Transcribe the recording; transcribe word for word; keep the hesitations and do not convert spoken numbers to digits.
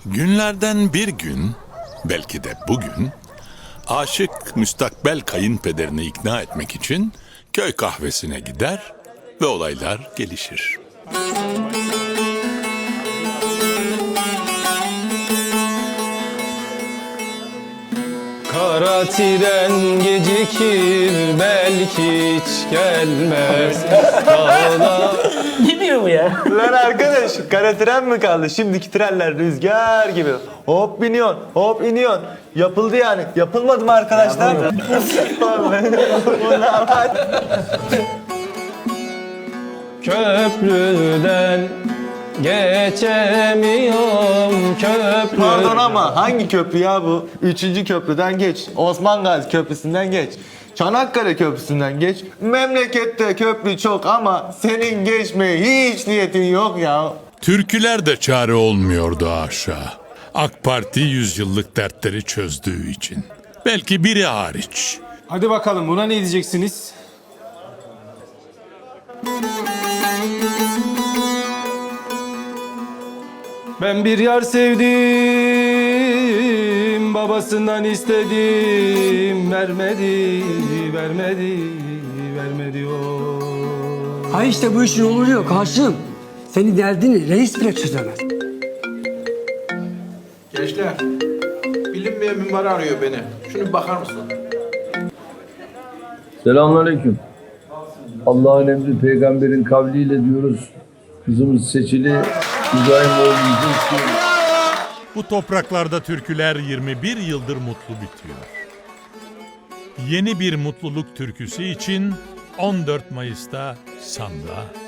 Günlerden bir gün, belki de bugün, aşık müstakbel kayınpederini ikna etmek için köy kahvesine gider ve olaylar gelişir. Kara tren gecikir belki hiç gelmez. Dağla... Ne diyor bu ya? Lan arkadaş, kara tren mi kaldı? Şimdiki trenler rüzgar gibi. Hop biniyorsun, hop iniyorsun. Yapıldı yani. Yapılmadı mı arkadaşlar? Köprüden geçemiyorum köprü. Pardon ama hangi köprü ya bu? Üçüncü köprüden geç. Osman Gazi Köprüsü'nden geç. Çanakkale Köprüsü'nden geç. Memlekette köprü çok ama senin geçmeye hiç niyetin yok ya. Türküler de çare olmuyordu aşağı. AK Parti yüzyıllık dertleri çözdüğü için. Belki biri hariç. Hadi bakalım buna ne diyeceksiniz? Ben bir yar sevdim, babasından istedim, vermedi, vermedi, vermedi o. Ha işte bu işin yolu yok Haşım. Senin derdini reis bile çözemez. Gençler, bilinmeyen mimar arıyor beni. Şunu bir bakar mısın? Selamünaleyküm. Allah'ın emri peygamberin kavliyle diyoruz. Kızımız Seçili İbrahimoğlu'nu istiyoruz. Bu topraklarda türküler yirmi bir yıldır mutlu bitiyor. Yeni bir mutluluk türküsü için on dört Mayıs'ta Sam'da